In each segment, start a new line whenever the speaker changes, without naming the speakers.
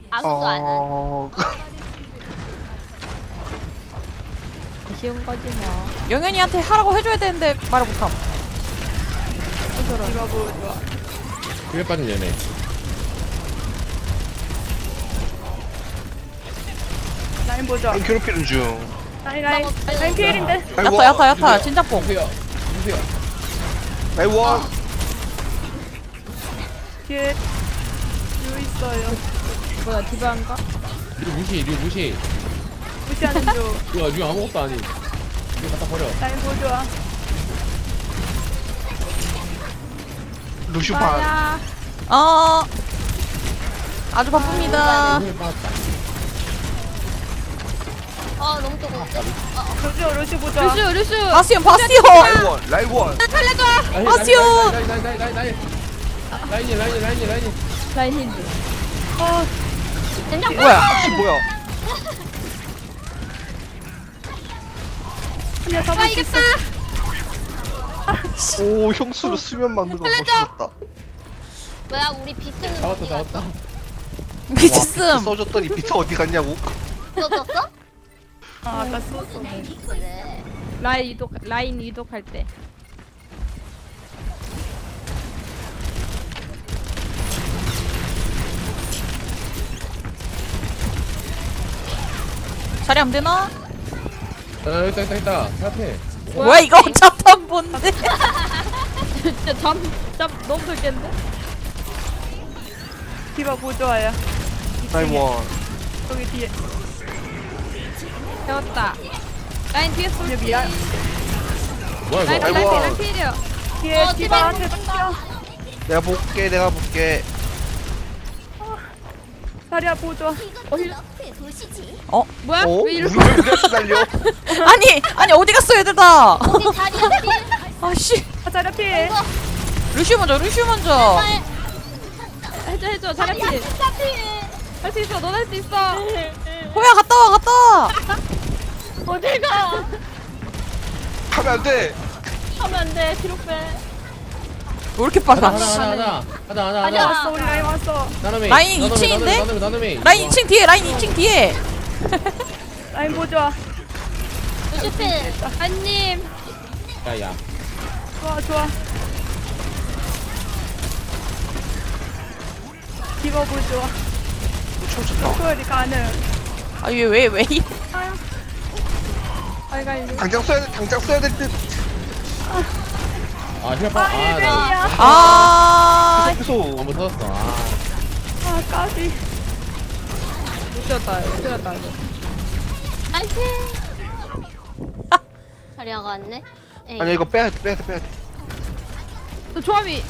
아무도 안 한.
쉬운 거지 뭐.
영현이한테 하라고 해줘야 되는데 말을 못함.
이거 뭐 좋아.
그게 빠진 얘네.
라인 보자.
라인 괴롭히는 중.
라인 피일인데.
라인
야타
원.
야타 야타 진짜뽕.
보세요. 보세요.
라인 원.
뒤에 유 있어요.
뭐야 디바인가?
이거 무시.
무시하는 중.
이거 지금 아무것도 아니. 이거 갖다 버려.
라인 보자.
루슈판.
빠야.
아주 바쁩니다.
오늘 빠졌다.
너무 뜨거운데?
루시 보자.
루슈 바스티온 바스티온.
라인 원. 라인 원.
아시오.
라인이.
라인 힌드.
된장
뭐야?
뭐야?
그냥 잡을 수 있어.
오 형수로 수면 막는 거 멋있었다.
뭐야 우리 비트는 어디
잡았다.
미쳤음.
써줬더니 비트 어디 갔냐고?
썼었어?
아까 썼어.
그래.
라인 이독할 때.
자리 안 되나?
있다. 앞에.
뭐야 이거 자탄 뭔데?
진짜 잠 너무 설겠는데? 디바 보조아야.
라인 원.
여기 뒤에.
배웠다. 라인 뒤에 쏠.
얘 미안.
뭐야 이거?
라인 원.
필이요.
뒤에
디바
디바한테 던져.
내가 볼게.
다리야 보조.
뭐야?
어?
왜 이러?
우리한테 날려?
아니 어디 갔어 얘들 다?
우리 자리 앞에
아씨.
자리야 피해.
루슈 먼저.
해줘 자리야 피해. 할 수 있어. 넌 할 수 있어.
호야 갔다 와.
어딜 가?
하면 안 돼.
하면 안 돼. 뒤로 빼.
왜 이렇게 빨라?
아니 왔어. 우리 라인 왔어.
라인 2층인데?
나눔이.
라인 2층 뒤에.
라인 보조.
루시필.
한님.
야야.
좋아. 디바 보조.
춤췄다.
소열이 가능.
왜 이?
알갈리.
당장 써야 될 듯.
힐파.
아.
계속.
한번 터졌어.
까비.
미쳤다 이거.
나이스. 자리아가 왔네. 에이.
아니야 이거 빼야 돼.
또 조합이.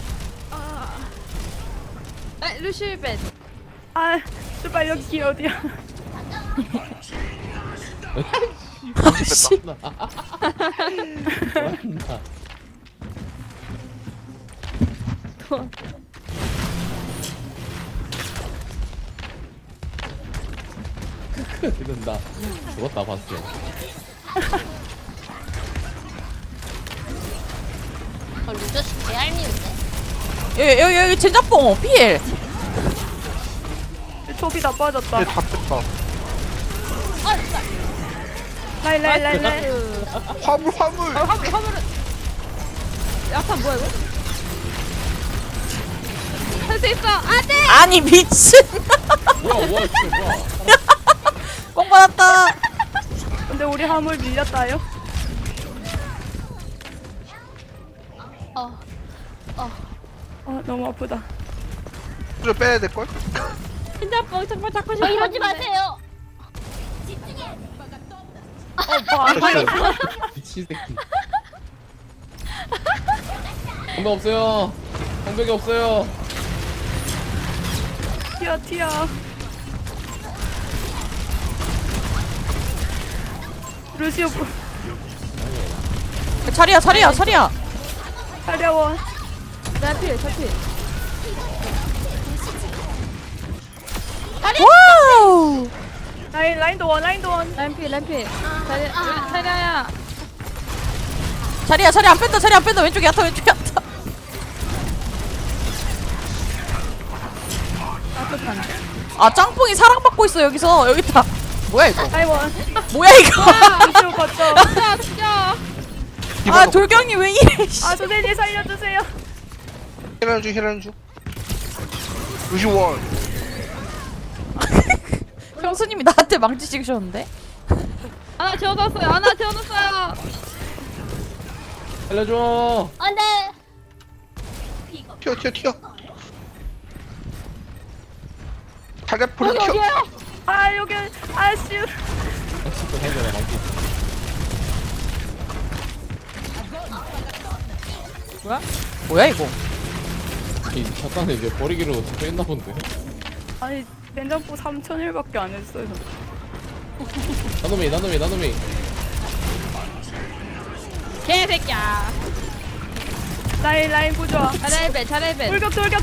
루시벤. 제발 여기 어디야?
아씨.
이런다. 죽었다 봤어.
루저씨 개알미운데?
여기 젠자뽕 필.
조비 다 빠졌다.
얘다 뺐다.
라인.
화물.
화물은. 약간 뭐야 이거? 할 수 있어. 안돼.
아니 미친.
뭐야 진짜.
뽕 받았다.
근데 우리 화물 밀렸다요. 너무 아프다.
좀 빼야 될 걸?
진짜뽕 정말 잡고 싶어.
이러지 마세요.
미친 새끼. 방벽 없어요. 방벽이 없어요.
튀어. 루시오
자리야.
차려워. 자필.
와우.
라인도 원. 라인필. 차려야.
자리 안 뺀다. 왼쪽에 야타. 아 짱뽕이 사랑받고 있어 여기서. 여기 있다. 뭐야 이거?
아이고.
뭐야 이거?
루시오 걷죠.
아
디바가
돌경이 왜 이래? 씨.
아 선생님 살려주세요.
힐하는 중. 루시 원.
형수님이 나한테 망치 찍으셨는데?
하나 재워놨어요. 하나 재워놨어요.
살려줘.
안돼.
튀어. 달걀풀을 튀어.
여기요.
아 여기 아씨.
진짜 살려라 망치.
뭐야 이거?
이 잠깐만 이제 버리기로 적혀있나 본데.
아니 된장국 3,000일밖에 안 했어요.
나눔이.
개새끼야. 라인 부좋아. 잘해배. 돌격.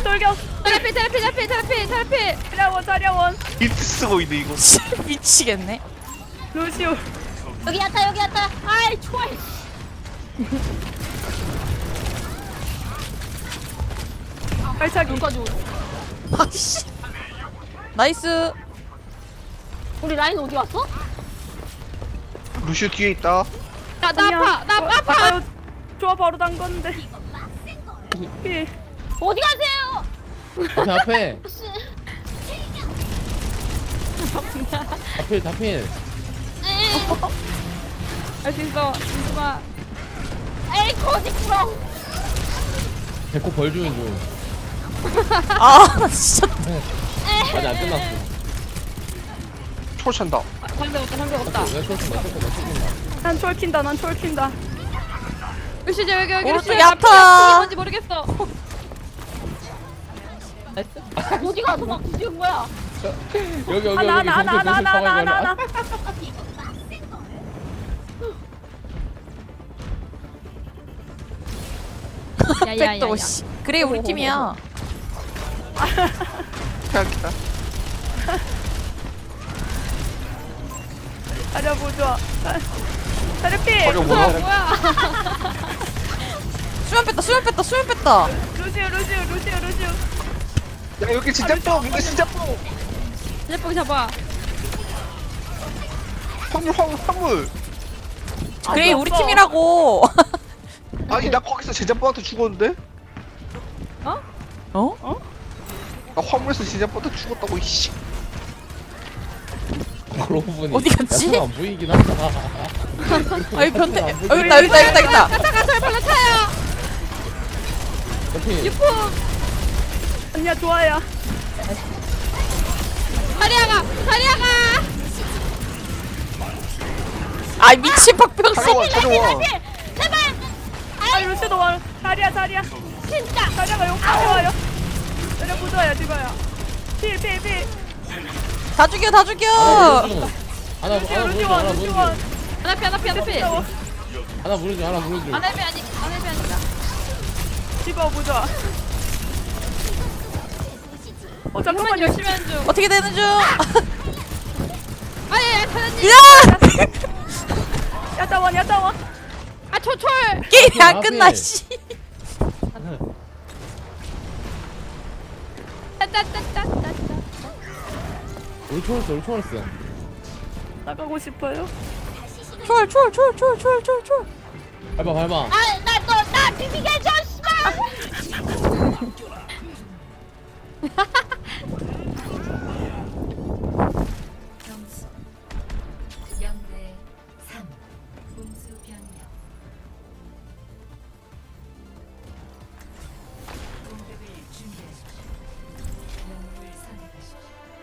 테라피. 자려원.
이트 쓰고 있네 이거.
미치겠네.
루시오.
여기 야타. 아이 좋아.
발차기.
아씨. 나이스.
우리 라인 어디 갔어?
루시 뒤에 있다.
나 아파. 좋아 바로 단 건데. 피.
어디 가세요?
앞에.
씨.
다필.
에이,
할 수 있어. 민수아.
에이 거짓부렁.
배꼽 벌 주는 중.
아 진짜.
아직 안 끝났어.
초 찬다.
상대 없다.
내가 쏠친다.
난 촐킨다. 루시 여기
오른쪽
루시.
야타.
뭔지 모르겠어.
어디 가서 막 뒤진 거야?
여기
하나.
백도 씨. 그래 우리 팀이야.
생각했다.
자려 보좋아. 테라피.
버려 뭐야?
뭐야?
수면 뺐다.
루시오.
야 여기 진짜 뻥. 이거 진짜 뻥.
제빵 잡아.
화물.
그래 우리 팀이라고.
아니 나 거기서 제자뽀한테 죽었는데?
어?
나 화물에서 제자뽀한테 죽었다고 이씨.
그러고 보니
어디 갔지?
야타가 안 보이긴 한다.
아이 변태. 여기 있다.
타가 설발로 타요.
다필.
언니야 좋아요. 다리아가.
아 미친 박병수.
자려와.
제발.
아 루시도 와. 다리아.
진짜.
다리아가 여기까지 와요. 내려 보자야 지가야. 필.
다 죽여.
하나
루시오.
무르죠.
하나 피.
하나 무르죠.
아니다. 집어 보자. 잠깐만 열심히 하는 중.
어떻게 되는 중?
아예 사장님.
야!
야타원. 아 초철.
게임이 안
앞에.
끝나 씨.
따따따따따.
우리 초월스.
나가고 싶어요.
쫄.
밟아.
나 비비게 해줘 씨발.
점수 0대 3 공수 변경 공격을 준비하십시오. 영웅을 선택하십시오.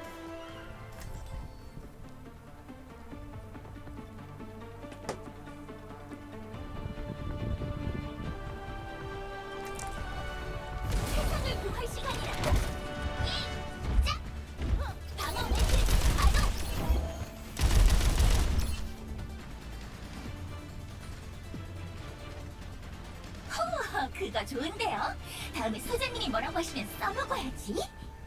그거 좋은데요? 다음에 소장님이 뭐라고 하시면 써먹어야지.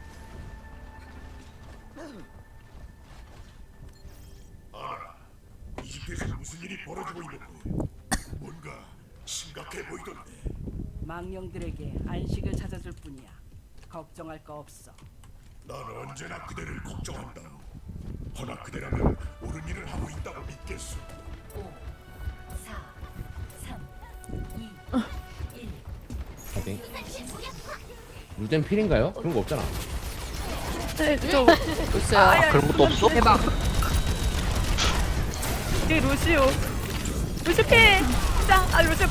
이 집에서 무슨 일이 벌어지고 있는지 뭔가 심각해 보이던데.
망령들에게 안식을 찾아줄 뿐이야. 걱정할 거 없어.
난 언제나 그대를 걱정한다. 허나 그대라면 옳은 일을 하고 있다고 믿겠소.
5, 4, 3, 2, 1.
파이팅. 루덴 필인가요? 그런 거 없잖아.
있어요.
그런 것도 없어?
대박. 이 루시오. 루시피. 짱. 아 루시오.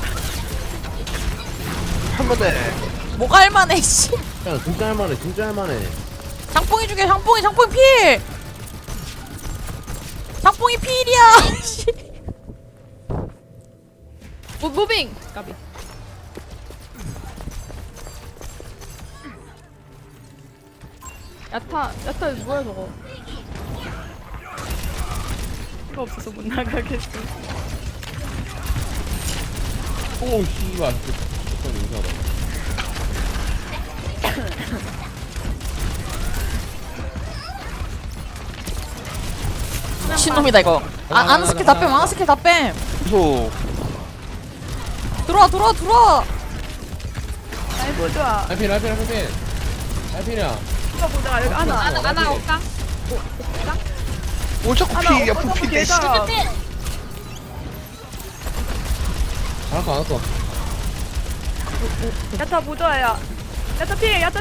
한 번에
뭐가 할만해 씨.
야 진짜 할만해 진짜 할만해.
장뽕이 죽여 장뽕이 필. 장뽕이 필이야. 씨.
무빙. 까비. 야타 뭐야 저거? 이거 없어서 못 나가겠어.
오 씨발. 진짜 인사하다.
미친놈이다 이거. 안 스킬 다 뺨. 안 스킬 다 뺨.
계속
들어와.
아이고 좋아.
알필. 알필이야.
이거 보자. 여기 하나 올까?
뭘 자꾸 피야 부피대 씨.
알았어 알았어.
야타 보자야. 야타 피. 야타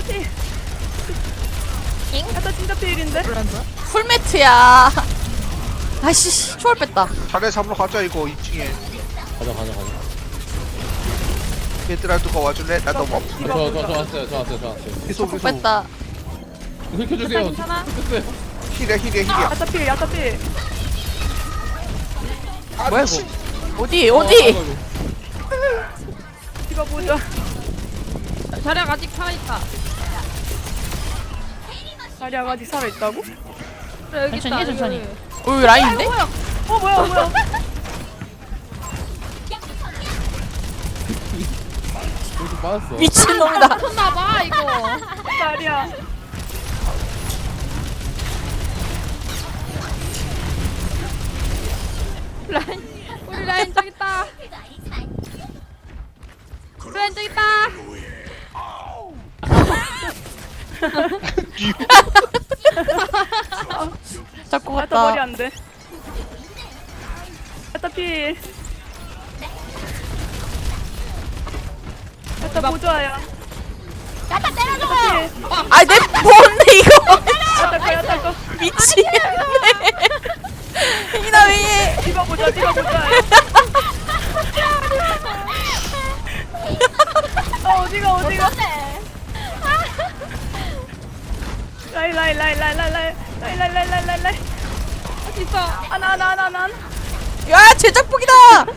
진짜 피일인데?
풀매트야. 아이씨 초월 뺐다.
자네 잡으러 가자 이거 2층에.
가자.
얘들아 누가 와줄래? 나 너무 아파.
저 왔어요.
계속 계속
뺐다.
긁혀주세요.
괜찮아?
긁혔어요.
힐이야.
야타 피.
아,
뭐야
미친.
이거? 어디?
이거 보자. 자리야 아직 살아있다. 자리야 아직 살아있다고? 그래 여기
천천히,
있다.
천천히.
여기.
여기 라인인데?
뭐야?
이렇게 빠졌어.
미친놈이다.
쳤나봐 이거. 자리야. 우리 라인 저기 있다. 라인 저기 있다.
자꾸
야타 머리
갔다.
안 돼. 야타 필. 야타 보조아야.
야타 때려줘.
아이 내 뭔데 이거?
야타 거.
미치겠네. 이나 왜?
디바 보자. 어디가? 라이. 어디 있어? 하나.
야 제작복이다.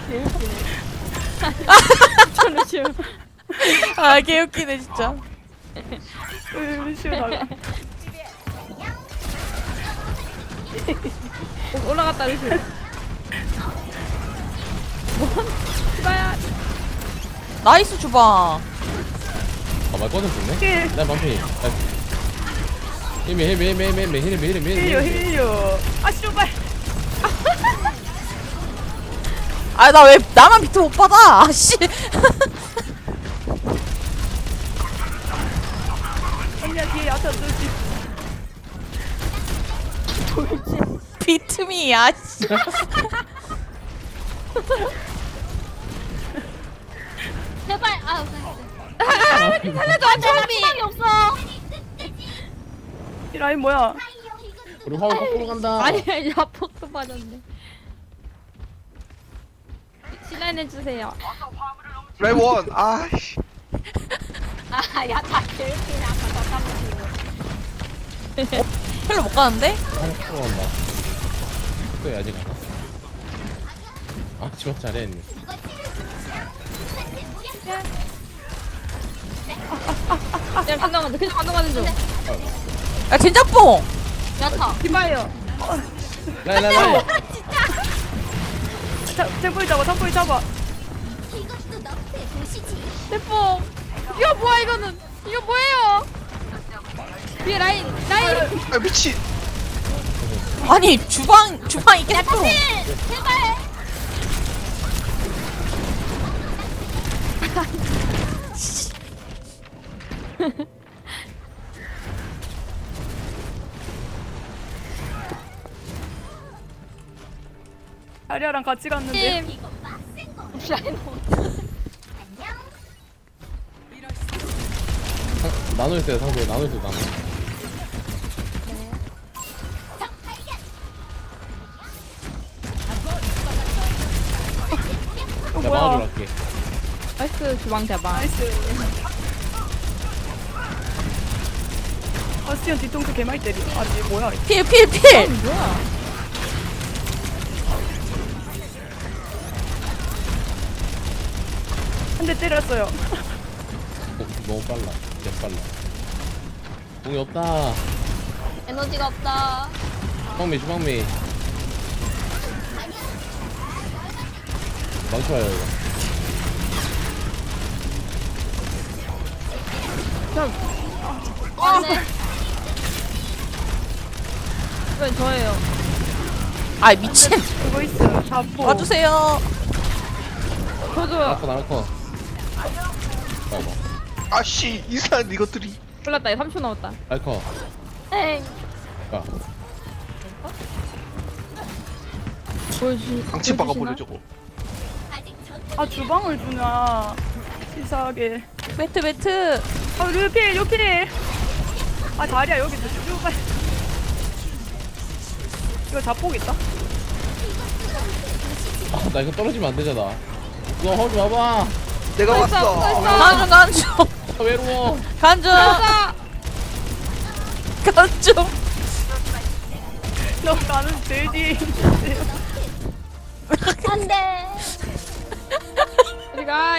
아 개웃기네 진짜.
루시오 나가. 올라갔다 루시오. 디바야.
나이스 주방.
말 꺼져 좋네.
힐.
나 반피. 힘이.
힐요. 아 씨발.
아 나 왜 나만 비트 못 받아? 아씨.
언니야 뒤에 야타 누지.
비트미 아씨.
제발.
살려줘
사람이 없어.
이 라인 뭐야?
우리 화면 거꾸로 간다.
아니야 야폭도 빠졌네. 실라인 해주세요.
레원. 아이씨.
야타 개웃기네. 아까 저
헬로 못 가는데?
거꾸로 간다. 또 아직 안 왔어. 아 지금 잘했네.
그냥 건너가는 중.
야 젠장뽕.
야타.
디바예요.
라이.
템포이 잡아.
이것도 너프의 도시지.
템포. 이거 뭐야 이거는? 이거 뭐예요? 뒤에 라인.
아 미친.
아니 주방이 계속.
제발.
자리아랑 같이 갔는데.
이거 빡센 거.
라인
안녕.
나눠 있어요 상대 나눠 있어요 나눠. 나
뭐야?
막아주러 갈게.
나이스 주방 대박.
나이스. 바스티온 뒤통수 개말 때리. 아, 이게 뭐야?
필.
한 대 때렸어요.
너무 빨라. 개 빨라. 공이 없다.
에너지가 없다.
주방미. 망쳐요 이거.
네.
이건 저예요. 아 미친.
그거 있어. 잡고.
와주세요.
저도요.
나라커. 아이고.
아씨 이상한 이것들이.
몰랐다. 3초 남았다.
알커.
엥.
야.
방치 박아버려 저거.
아직 전
아, 주방을 주냐. 치사하게.
매트.
아, 루필, 루필. 아, 자리야, 여기 주방. 이거 자폭 있다?
아, 나 이거 떨어지면 안 되잖아. 너 허리 와봐.
내가 왔어.
간중.
아, 외로워.
간중.
너 나는 제일 뒤에 있는데.
안 돼.
우리가